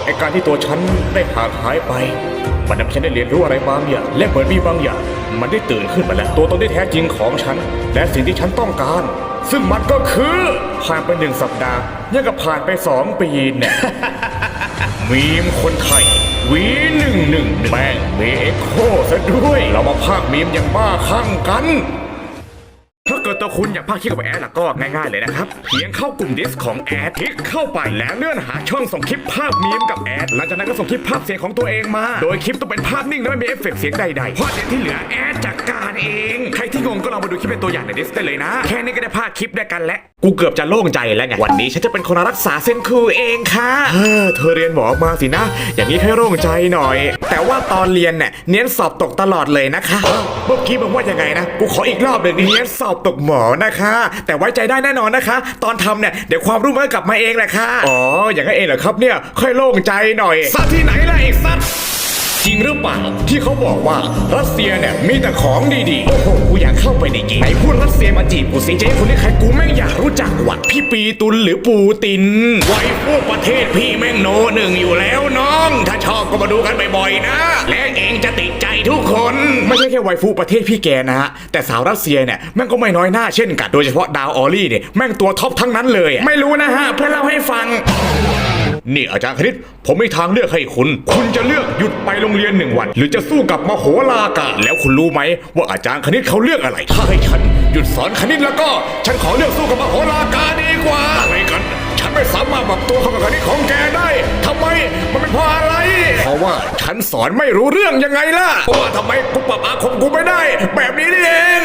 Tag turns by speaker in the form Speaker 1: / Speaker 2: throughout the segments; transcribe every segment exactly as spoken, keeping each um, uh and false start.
Speaker 1: ไอ้การที่ตัวฉันได้ห่างหายไปมันทำให้ฉันได้เรียนรู้อะไรบางอย่างและเหมือนมีบางอย่างมันได้ตื่นขึ้นมาแล้วตัวตนที่แท้จริงของฉันและสิ่งที่ฉันต้องการซึ่งมันก็คือผ่านไปหนึ่งสัปดาห์ยังกับผ่านไปสองปีเนี่ย มีมคนไทยวีหนึ่งหนึ่งแม่งเมเอ็กโคซะด้วยเรามาพากมีมอย่างบ้าคลั่งกันถ้าเกิดตัวคุณอยากพากคลิปกับแอดล่ะก็ง่ายๆเลยนะครับเพียงเข้ากลุ่มดิสของแอดคลิกเข้าไปแล้วเลื่อนหาช่องส่งคลิปภาพมีมกับแอดหลังจากนั้นก็ส่งคลิปภาพเสียงของตัวเองมาโดยคลิปต้องเป็นภาพนิ่งและไม่มีเอฟเฟกต์เสียงใดๆเพราะเดี๋ยวที่เหลือแอดจัดการเองใครที่งงก็ลองมาดูคลิปเป็นตัวอย่างในดิสได้เลยนะแค่นี้ก็ได้พากคลิปได้กันแล้วกูเกือบจะโล่งใจแล้วไงวันนี้ฉันจะเป็นคนรักษาเซนคูเองค่ะเออเธอเรียนหมอมาสินะอย่างนี้ให้โล่งใจหน่อยแต่ว่าตอนเรียนเนี่ยเน้นสอบตกตลอดเลยนะคะเมื่อกี้มึงว่ายังไงนะกูขออีกรอบหนึ่งเน้นสอบตกหมอนะคะแต่ไว้ใจได้แน่นอนนะคะตอนทำเนี่ยเดี๋ยวความรู้มันก็กลับมาเองแหละค่ะอ๋ออย่างนั้นเองเหรอครับเนี่ยค่อยโล่งใจหน่อยสัตว์ที่ไหนล่ะไอ้สัตว์จริงหรือเปล่าที่เขาบอกว่ารัสเซียเนี่ยมีแต่ของดีๆโอ้โหกูอยากเข้าไปในเกมไหนพูดรัสเซียมาจีบกูสิเจ๊คนนี้ใครกูแม่งอยากรู้จักว่ะพี่ปีตุลหรือปูตินไว้พวกประเทศพี่แม่งโนหนึ่งอยู่แล้วน้องถ้าชอบก็มาดูกันบ่อยๆนะและเองจะติดใจทุกคนไม่ใช่แค่ไวฟูประเทศพี่แกนะฮะแต่สาวรัสเซียเนี่ยแม่งก็ไม่น้อยหน้าเช่นกันโดยเฉพาะดาวออลลี่เนี่ยแม่งตัวท็อปทั้งนั้นเลยไม่รู้นะฮะเพื่อเล่าให้ฟังนี่อาจารย์คณิตผมมีทางเลือกให้คุณคุณจะเลือกหยุดไปโรงเรียนหนึ่งวันหรือจะสู้กับมโหฬารกาแล้วคุณรู้ไหมว่าอาจารย์คณิตเขาเลือกอะไรถ้าให้ฉันหยุดสอนคณิตแล้วก็ฉันขอเลือกสู้กับมโหฬารกาดีกว่าอะไรกันฉันไม่สามารถปรับตัวเข้ากับคณิตของแกได้ทำไมมันเป็นเพราะอะไรเพราะว่าฉันสอนไม่รู้เรื่องยังไงล่ะเพราะว่าทำไมกูปรับอาคมกูไม่ได้แบบนี้นี่เอง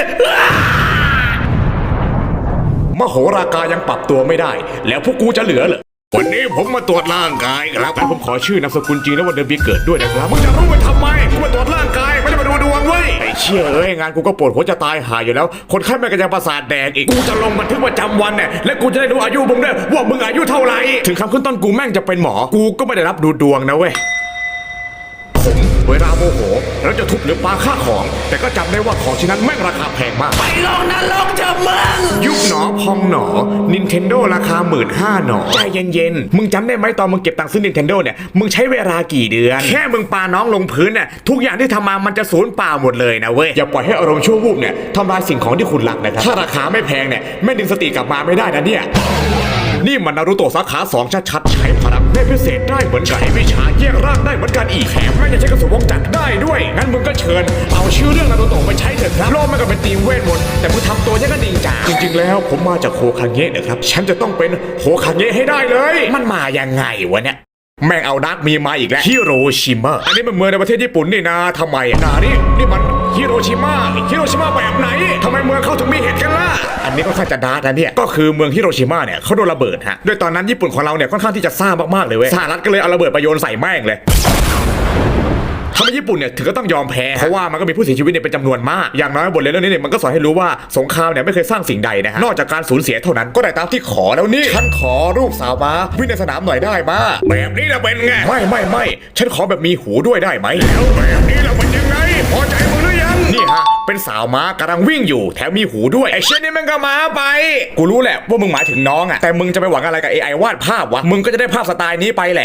Speaker 1: มโหฬารกายังปรับตัวไม่ได้แล้วพวกกูจะเหลือเหรอวันนี้ผมมาตรวจร่างกายครับงั้นผมขอชื่อนามสกุลจริงและวันเดือนปีเกิดด้วยนะครับมึงจะรู้ไปทำไมกูมาตรวจร่างกายไม่ได้มาดูดวงเว้ยไอ้เชี่ยเอ้ยงานกูก็ปวดหัวจะตายหายอยู่แล้วคนไข้แม่งก็ยังประสาทแดงอีกกูจะลงบันทึกประจำวันเนี่ยและกูจะได้รู้อายุมึงด้วยว่ามึงอายุเท่าไหร่ถึงคำขึ้นต้นกูแม่งจะเป็นหมอกูก็ไม่ได้รับดูดวงนะเว้ยผมเวลาโมโหแล้วจะทุบหรือปาค่าของแต่ก็จำได้ว่าของชิ้นนั้นแม่งราคาแพงมากไปลงนรกเถอะมึงยุบหนอพองหนอ Nintendo ราคาหมื่นห้าหนอใจเย็นๆมึงจำได้ไหมตอนมึงเก็บตังค์ซื้อ Nintendo เนี่ยมึงใช้เวลากี่เดือนแค่มึงปาน้องลงพื้นเนี่ยทุกอย่างที่ทำมามันจะสูญเปล่าหมดเลยนะเว้ยอย่าปล่อยให้อารมณ์ชั่ววูบเนี่ยทำลายสิ่งของที่คุณรักนะครับถ้าราคาไม่แพงเนี่ยแม่ดึงสติกลับมาไม่ได้นะเนี่ยนี่มันนารูโตะสาขาสองชัดๆใช้พลังเนตรพิเศษได้เหมือนกันใช้วิชาแยกร่างได้เหมือนกันอีกแถมแม่งยังใช้กระสุนวงจักรได้ด้วยงั้นมึงก็เชิญเอาชื่อเรื่องนารูโตะไปใช้เถอะครับโลกมันก็เป็นทีมเวทมนต์แต่มึงทำตัวยังกระดิ่งจ่าจริงๆแล้วผมมาจากโฮคาเงะนะครับฉันจะต้องเป็นโฮคาเงะให้ได้เลยมันมายังไงวะเนี่ยแม่งเอาดักมีมาอีกแล้วฮิโรชิมาอันนี้มันเมืองในประเทศญี่ปุ่นนี่นะทำไมอ่ะนานี่นี่มันฮิโรชิมาฮิโรชิมาแบบไหนทำไมเมืองเขาถึงมีเหตุกันล่ะอันนี้ก็ค่อนข้างจะดาร์กนะเนี่ยก็คือเมืองฮิโรชิมาเนี่ยเขาโดนระเบิดฮะโดยตอนนั้นญี่ปุ่นของเราเนี่ยค่อนข้างที่จะซ่ามากๆเลยเว้ยสหรัฐก็เลยเอาระเบิดไปโยนใส่แม่งเลยทำให้ญี่ปุ่นเนี่ยถึงก็ต้องยอมแพ้เพราะว่ามันก็มีผู้เสียชีวิตเนี่ยเป็นจำนวนมากอย่างน้อยบทเรียนเรื่องนี้เนี่ยมันก็สอนให้รู้ว่าสงครามเนี่ยไม่เคยสร้างสิ่งใดนะฮะนอกจากการสูญเสียเท่านั้นก็ได้ตามที่ขอแล้วนี่ฉันขอรูปสาวม้าวิ่งในสนามหน่อยได้มาแบบนี้ละเป็นไงไม่ไม่ไม่ฉันขอแบบมีหูด้วยได้ไหมแล้วแบบนี้ละเป็นยังไงพอใจมึงหรือยังนี่ฮะเป็นสาวม้ากำลังวิ่งอยู่แถมมีหูด้วยไอ้เช่นนี้มันก็ม้าไปกูรู้แหละว่ามึงหมายถึงน้องอะแต่มึงจะไปหวังอะไรกับ เอ ไอ วาดภาพวะมึงก็จะได้ภาพสไตล์นี้ไปแหละ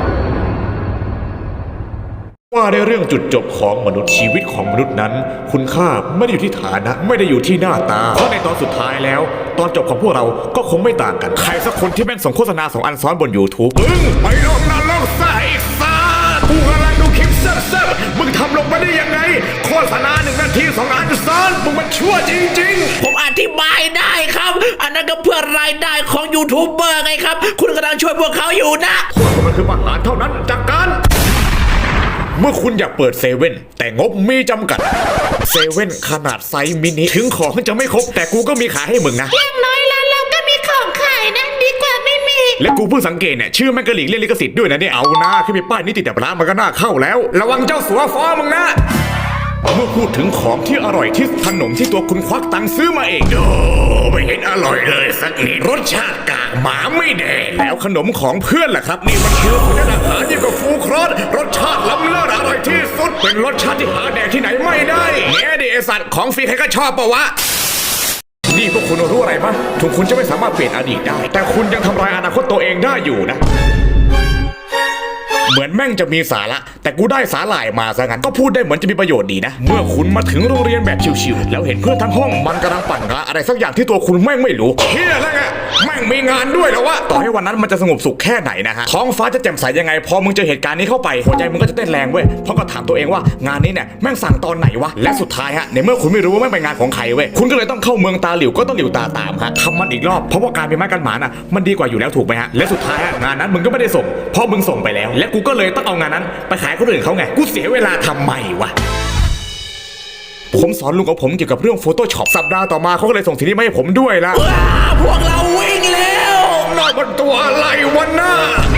Speaker 1: ว่าในเรื่องจุดจบของมนุษย์ชีวิตของมนุษย์นั้นคุณค่าไม่ได้อยู่ที่ฐานะไม่ได้อยู่ที่หน้าตาเพราะในตอนสุดท้ายแล้วตอนจบของพวกเราก็คงไม่ต่างกันใครสักคนที่แม่งส่งโฆษณาสองอันซ้อนบน YouTube มึงไปลงนรกซะไอ้สัสกูกำลังดูคลิปเซ่บๆมึงทำลงมาได้ยังไงโฆษณาหนึ่งนาทีสองอันซ้อนมึงมันชั่วจริงๆ
Speaker 2: ผมอธิบายได้ครับอันนั้นก็เพื่อรายได้ของยูทูบเบอร์ไงครับคุณกำลังช่วยพวกเขาอยู่นะ
Speaker 1: มันคือปัญหาเท่านั้นจากการเมื่อคุณอยากเปิดเซเว่นแต่งบมีจำกัดเซเว่นขนาดไซส์มินิถึงของจะไม่ครบแต่กูก็มีขายให้มึงนะ
Speaker 3: อย่างน้อยแล้วเราก็มีของขายนะดีกว่าไม่มี
Speaker 1: และกูเพิ่งสังเกตเนี่ยชื่อแม่งกระหลีกเล่นลิขสิทธิ์ด้วยนะเนี่ยเอาหน้าขึ้นไปป้ายนิติแต่ร้านมันก็น่าเข้าแล้วระวังเจ้าสัวฟ้ามึงนะเมื่อพูดถึงของที่อร่อยที่ขนมที่ตัวคุณควักตังค์ซื้อมาเองโอ้ไม่เห็นอร่อยเลยสักนิดรสชาติกากหมาไม่แดงแล้วขนมของเพื่อนล่ะครับนี่มันคือคุณอาหารยิ่งกว่าฟูครอสรสชาติล้ำเลิศอร่อยที่สุดเป็นรสชาติที่หาแดกที่ไหนไม่ได้แง่ดิไอสัตว์ของฟรีใครก็ชอบปะวะนี่พวกคุณรู้อะไรมั้ยถึงคุณจะไม่สามารถเปลี่ยนอดีตได้แต่คุณยังทำลายอนาคตตัวเองได้อยู่นะเหมือนแม่งจะมีสาระแต่กูได้สาหร่ายมาซะงั้นก็พูดได้เหมือนจะมีประโยชน์ดีนะเมื่อคุณมาถึงโรงเรียนแบบชิวๆแล้วเห็นเพื่อนทั้งห้องมันกำลังปั่นงานอะไรสักอย่างที่ตัวคุณแม่งไม่รู้เฮียแล้วไงแม่งมีงานด้วยแล้ววะต่อให้วันนั้นมันจะสงบสุขแค่ไหนนะฮะท้องฟ้าจะแจ่มใสยังไงพอมึงเจอเหตุการณ์นี้เข้าไปหัวใจมึงก็จะเต้นแรงเว้ยเพราะก็ถามตัวเองว่างานนี้เนี่ยแม่งสั่งตอนไหนวะและสุดท้ายฮะในเมื่อคุณไม่รู้ว่าแม่งเป็นงานของใครเว้ยคุณก็เลยต้องเข้าเมืองตาหลิวก็ต้องหลิวตาตามฮะทำมันอีกรอบเพราะว่าการเป็นไม้กันหมาน่ะมันดีกว่าอยู่แล้วถูกไหมฮะและสุดท้ายฮะงานนั้นมึงก็ไม่ได้ส่งเพราะมึงส่งไปแล้วและกูก็เลยต้องเอางานนั้นไปขายคนอื่นเขาไงกูเสียเวลาทำไมวะผมสอนลุงของผมเกี่ยวกับเรื่อง Photoshop สัปดาห์ต่อมาเขาก็เลยส่งสิ่งนี้มาให้ผมด้วยละ
Speaker 2: ว้าพวกเราวิ่งแล้ว
Speaker 1: น่ามันตัวอะไรวะน่า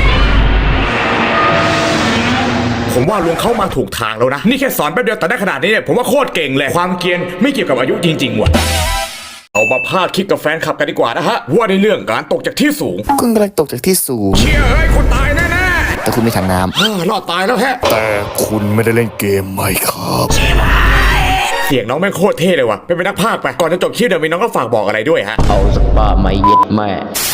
Speaker 1: ผมว่าลุงเข้ามาถูกทางแล้วนะนี่แค่สอนแป๊บเดียวแต่ได้ขนาดนี้เนี่ยผมว่าโคตรเก่งเลยความเกรียนไม่เกี่ยวกับอายุจริงๆว่ะเอามาพาดคลิกกับแฟนคลับกันดีกว่านะฮะว่าในเรื่องการตกจากที่สูง
Speaker 4: คุณกำลังตกจากที่สูง
Speaker 1: เชี่ยเอ้ยคุณตายแน่
Speaker 4: แต่คุณไม่ทางน้
Speaker 1: ๆเฮ้อรอดตายแล้วแฮะ
Speaker 4: แต่คุณไม่ได้เล่นเกมไหมครับ
Speaker 1: เสียงน้องแม่งโคตรเท่เลยว่ะเป็นเป็นนักพากย์ไปก่อนจะจบคลิปเดี๋ยวมีน้องก็ฝากบอกอะไรด้วยฮะ
Speaker 5: เอาสปาไม่เย็ดแม่